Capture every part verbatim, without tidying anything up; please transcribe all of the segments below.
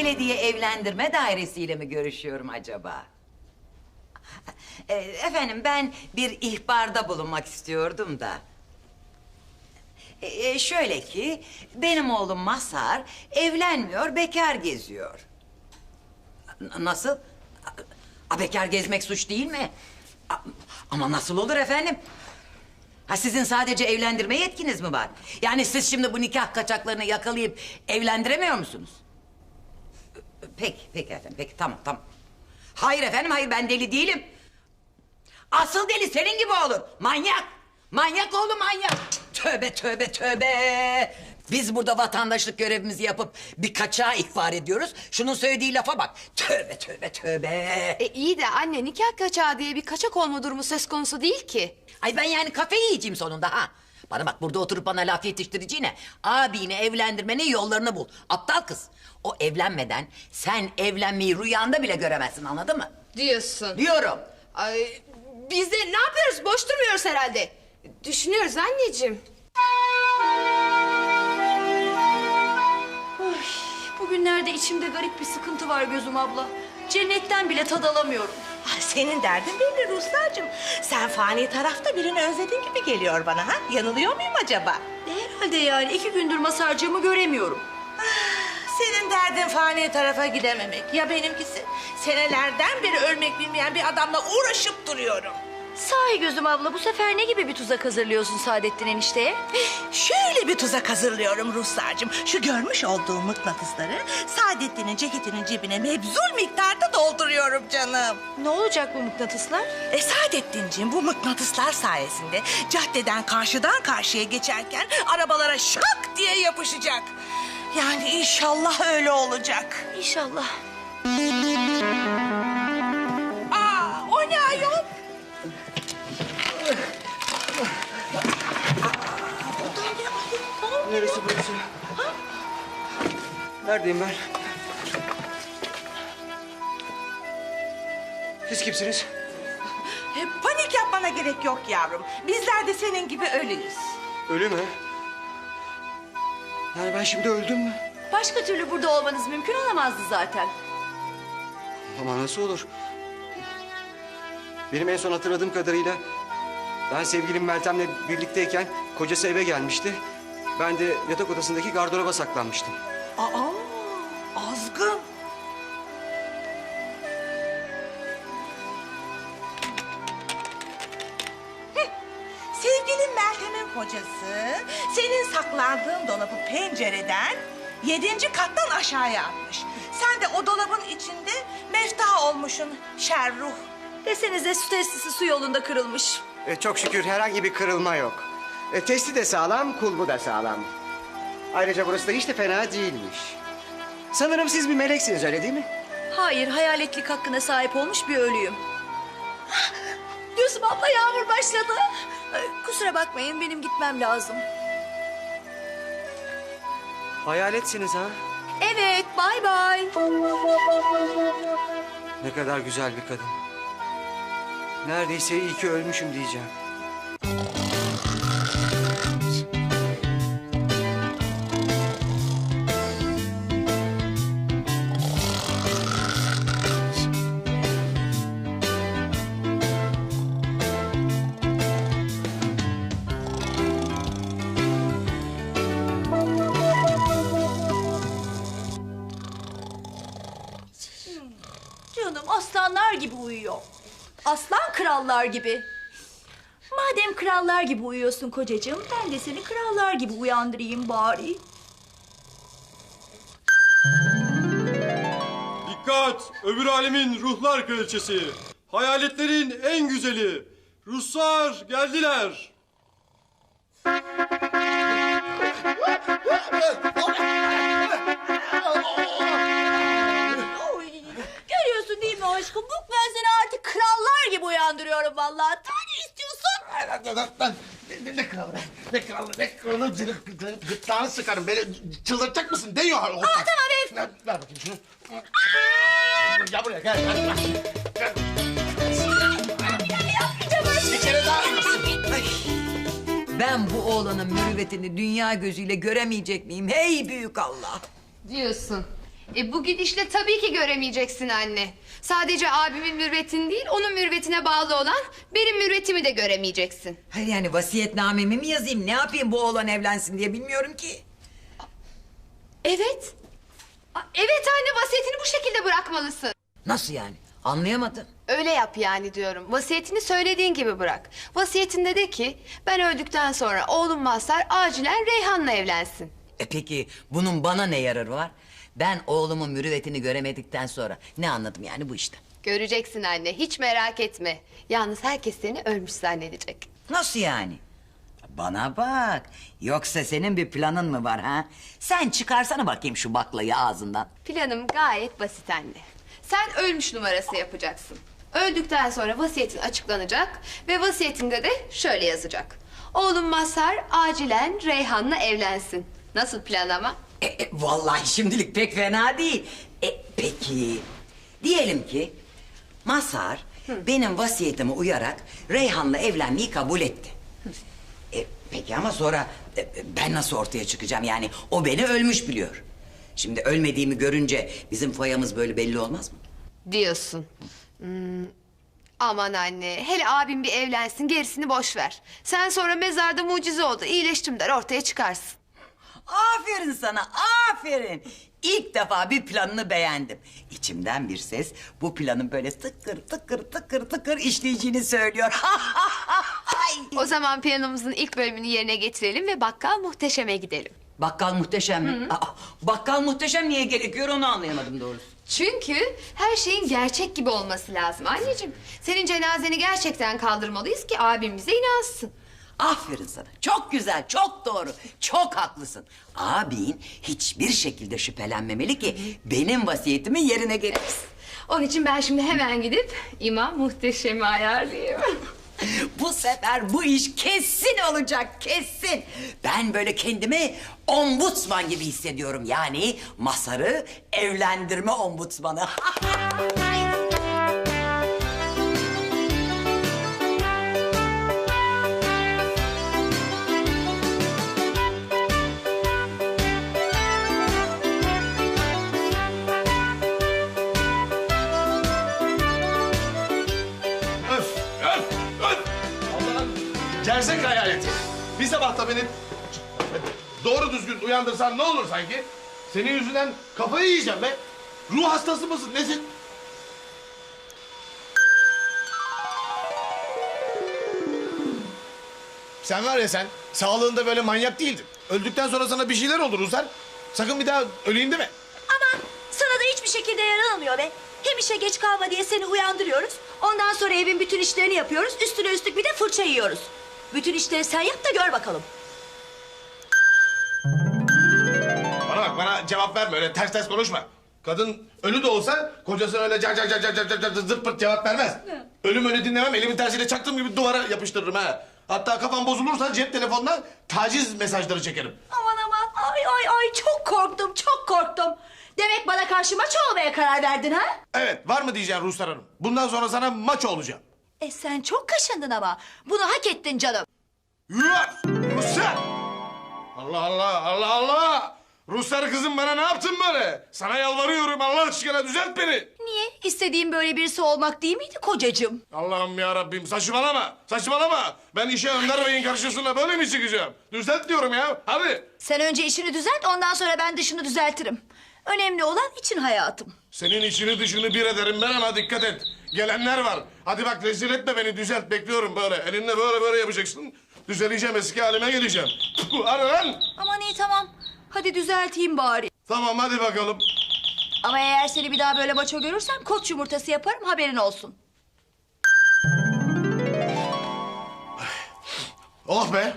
belediye evlendirme dairesiyle mi görüşüyorum acaba? E, efendim ben bir ihbarda bulunmak istiyordum da. E, şöyle ki benim oğlum Mazhar evlenmiyor, bekar geziyor. N- nasıl? A, bekar gezmek suç değil mi? A, ama nasıl olur efendim? Ha sizin sadece evlendirme yetkiniz mi var? Yani siz şimdi bu nikah kaçaklarını yakalayıp evlendiremiyor musunuz? Peki, peki efendim, peki tamam tamam. Hayır efendim, hayır ben deli değilim. Asıl deli senin gibi olur. Manyak. Manyak oğlu manyak. Tövbe tövbe tövbe. Biz burada vatandaşlık görevimizi yapıp bir kaçağı ihbar ediyoruz. Şunun söylediği lafa bak. Tövbe tövbe tövbe. E iyi de anne, nikah kaçağı diye bir kaçak olma durumu söz konusu değil ki. Ay ben yani kafayı yiyeceğim sonunda ha. Bana bak, burada oturup bana laf yetiştireceğine abini evlendirmenin yollarını bul. Aptal kız. O evlenmeden sen evlenmeyi rüyanda bile göremezsin, anladın mı? Diyorsun. Diyorum. Ay, biz de ne yapıyoruz? Boş durmuyoruz herhalde. Düşünüyoruz anneciğim. Oy, bugünlerde içimde garip bir sıkıntı var Gözüm abla. Cennetten bile tad alamıyorum. Ay, senin derdin belli Ruslarcığım. Sen fani tarafta birini özledin gibi geliyor bana ha? Yanılıyor muyum acaba? Herhalde yani iki gündür Mazhar'cığımı göremiyorum. Senin derdin fani tarafa gidememek. Ya benimkisi? Senelerden beri ölmek bilmeyen bir adamla uğraşıp duruyorum. Sahi Gözüm abla, bu sefer ne gibi bir tuzak hazırlıyorsun Saadettin enişteye? Şöyle bir tuzak hazırlıyorum Ruslarcığım. Şu görmüş olduğum mıknatısları Saadettin'in ceketinin cebine mebzul miktarda dolduruyorum canım. Ne olacak bu mıknatıslar? E Saadettinciğim, bu mıknatıslar sayesinde caddeden karşıdan karşıya geçerken arabalara şak diye yapışacak. Yani inşallah öyle olacak. İnşallah. Aa, o ne ayol? Neresi burası? Neredeyim ben? Siz kimsiniz? E, panik yapmana gerek yok yavrum. Bizler de senin gibi ölüyüz. Ölü mü? Yani ben şimdi öldüm mü? Başka türlü burada olmanız mümkün olamazdı zaten. Ama nasıl olur? Benim en son hatırladığım kadarıyla ben sevgilim Meltem'le birlikteyken kocası eve gelmişti. Ben de yatak odasındaki gardıroba saklanmıştım. Aa, azgın. Heh, sevgilin Meltem'in kocası senin saklandığın dolabı pencereden yedinci kattan aşağıya atmış. Sen de o dolabın içinde mefta olmuşsun şerruh. Desenize su testisi su yolunda kırılmış. E, çok şükür herhangi bir kırılma yok. E, testi de sağlam, kulbu da sağlam. Ayrıca burası da hiç de fena değilmiş. Sanırım siz bir meleksiniz, öyle değil mi? Hayır, hayaletlik hakkına sahip olmuş bir ölüyüm. Gözüm abla, yağmur başladı. Ee, Kusura bakmayın, benim gitmem lazım. Hayaletsiniz ha? Evet, bay bay. Ne kadar güzel bir kadın. Neredeyse iyi ki ölmüşüm diyeceğim. Canım aslanlar gibi uyuyor. Aslan krallar gibi. Madem krallar gibi uyuyorsun kocacığım, ben de seni krallar gibi uyandırayım bari. Dikkat! Öbür alemin ruhlar kraliçesi. Hayaletlerin en güzeli. Ruslar geldiler. Görüyorsun değil mi aşkım? Bak ben seni artık krallar gibi uyandırıyorum vallahi. Daha ne istiyorsun? Ben ne, ne kralı be? Ne kralı? Ne kralı? Gırtlağını sıkarım. Beni çıldırtacak mısın? Değiyor. Aa, tamam be. Ver, ver bakayım şunu. Gel buraya gel. Gel. Gel. Bir kere daha. Ben bu oğlanın mürüvvetini dünya gözüyle göremeyecek miyim? Hey büyük Allah! Diyorsun. E bu gidişle tabii ki göremeyeceksin anne. Sadece abimin mürvetini değil, onun mürvetine bağlı olan benim mürvetimi de göremeyeceksin. Hayır yani vasiyetnamemi mi yazayım? Ne yapayım bu oğlan evlensin diye bilmiyorum ki. Evet. A- Evet anne, vasiyetini bu şekilde bırakmalısın. Nasıl yani? Anlayamadım. Öyle yap yani diyorum. Vasiyetini söylediğin gibi bırak. Vasiyetinde de ki ben öldükten sonra oğlum Mazhar acilen Reyhan'la evlensin. E peki bunun bana ne yararı var? Ben oğlumun mürüvvetini göremedikten sonra ne anladım yani bu işten? Göreceksin anne, hiç merak etme. Yalnız herkes seni ölmüş zannedecek. Nasıl yani? Bana bak. Yoksa senin bir planın mı var ha? Sen çıkarsana bakayım şu baklayı ağzından. Planım gayet basit anne. Sen ölmüş numarası yapacaksın. Öldükten sonra vasiyetin açıklanacak ve vasiyetinde de şöyle yazacak. Oğlum Mazhar acilen Reyhan'la evlensin. Nasıl plan ama? E, e, vallahi şimdilik pek fena değil. E, peki diyelim ki Mazhar benim vasiyetime uyarak Reyhan'la evlenmeyi kabul etti. E, peki ama sonra e, ben nasıl ortaya çıkacağım? Yani o beni ölmüş biliyor. Şimdi ölmediğimi görünce bizim foyamız böyle belli olmaz mı? Diyorsun. Hmm, aman anne, hele abim bir evlensin, gerisini boş ver. Sen sonra mezarda mucize oldu, iyileştim der, ortaya çıkarsın. Aferin sana, aferin. İlk defa bir planını beğendim. İçimden bir ses bu planın böyle tıkır tıkır tıkır tıkır işleyeceğini söylüyor. O zaman planımızın ilk bölümünü yerine getirelim ve Bakkal Muhteşem'e gidelim. Bakkal Muhteşem mi? Aa, Bakkal Muhteşem niye gerekiyor onu anlayamadım doğrusu. Çünkü her şeyin gerçek gibi olması lazım anneciğim. Senin cenazeni gerçekten kaldırmalıyız ki abim bize inansın. Aferin sana. Çok güzel, çok doğru. Çok haklısın. Abin hiçbir şekilde şüphelenmemeli ki benim vasiyetimi yerine getirsin. Onun için ben şimdi hemen gidip İmam Muhteşem'i ayarlayayım. Bu sefer bu iş kesin olacak, kesin. Ben böyle kendimi ombudsman gibi hissediyorum. Yani Mazhar'ı evlendirme ombudsmanı. Öf, öf, öf! Allah'ın gerzek hayaleti. Bir sabah da beni doğru düzgün uyandırsan ne olur sanki? Senin yüzünden kafayı yiyeceğim be. Ruh hastası mısın, nesin? Sen var ya sen, sağlığında böyle manyak değildin. Öldükten sonra sana bir şeyler olur Ruslar. Sakın bir daha öleyim deme. Aman sana da hiçbir şekilde yaranamıyor be. Hem işe geç kalma diye seni uyandırıyoruz. Ondan sonra evin bütün işlerini yapıyoruz. Üstüne üstlük bir de fırça yiyoruz. Bütün işleri sen yap da gör bakalım. Bana bak, bana cevap verme, öyle ters ters konuşma. Kadın ölü de olsa kocasına öyle car car car car car car car zırt pırt cevap vermez. Ölüm ölü dinlemem, elimin tersiyle çaktığım gibi duvara yapıştırırım ha. Hatta kafam bozulursa cep telefonuna taciz mesajları çekerim. Aman aman ay ay ay çok korktum çok korktum. Demek bana karşı maç olmaya karar verdin ha? Evet, var mı diyeceğim Ruslar Hanım? Bundan sonra sana maço olacağım. E sen çok kaşındın ama. Bunu hak ettin canım. Yuh! Ruslar! Allah Allah, Allah Allah! Ruslar kızım, bana ne yaptın böyle? Sana yalvarıyorum, Allah aşkına düzelt beni. Niye? İstediğin böyle birisi olmak değil miydi kocacığım? Allah'ım ya Rabbim, saçmalama, saçmalama. Ben işe Önder Bey'in karşısına böyle mi çıkacağım? Düzelt diyorum ya, hadi. Sen önce işini düzelt ondan sonra ben dışını düzeltirim. Önemli olan için hayatım. Senin içini dışını bir ederim ben, ama dikkat et. Gelenler var. Hadi bak, rezil etme beni, düzelt, bekliyorum böyle. Elinle böyle böyle yapacaksın. Düzeleceğim, eski halime geleceğim. Hadi lan. Aman iyi tamam. Hadi düzelteyim bari. Tamam, hadi bakalım. Ama eğer seni bir daha böyle maço görürsem koç yumurtası yaparım haberin olsun. Oh be.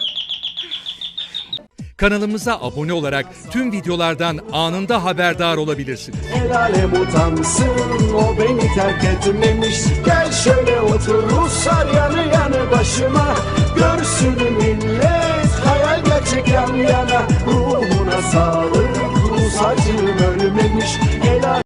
Kanalımıza abone olarak tüm videolardan anında haberdar olabilirsiniz. El alem utansın, o beni terk etmemiş. Gel şöyle otur Ruslar yanı yanı başıma. Görsün millet hayal gerçek yan yana. Ruhuna sağlık, Rus acım ölmemiş. El alem...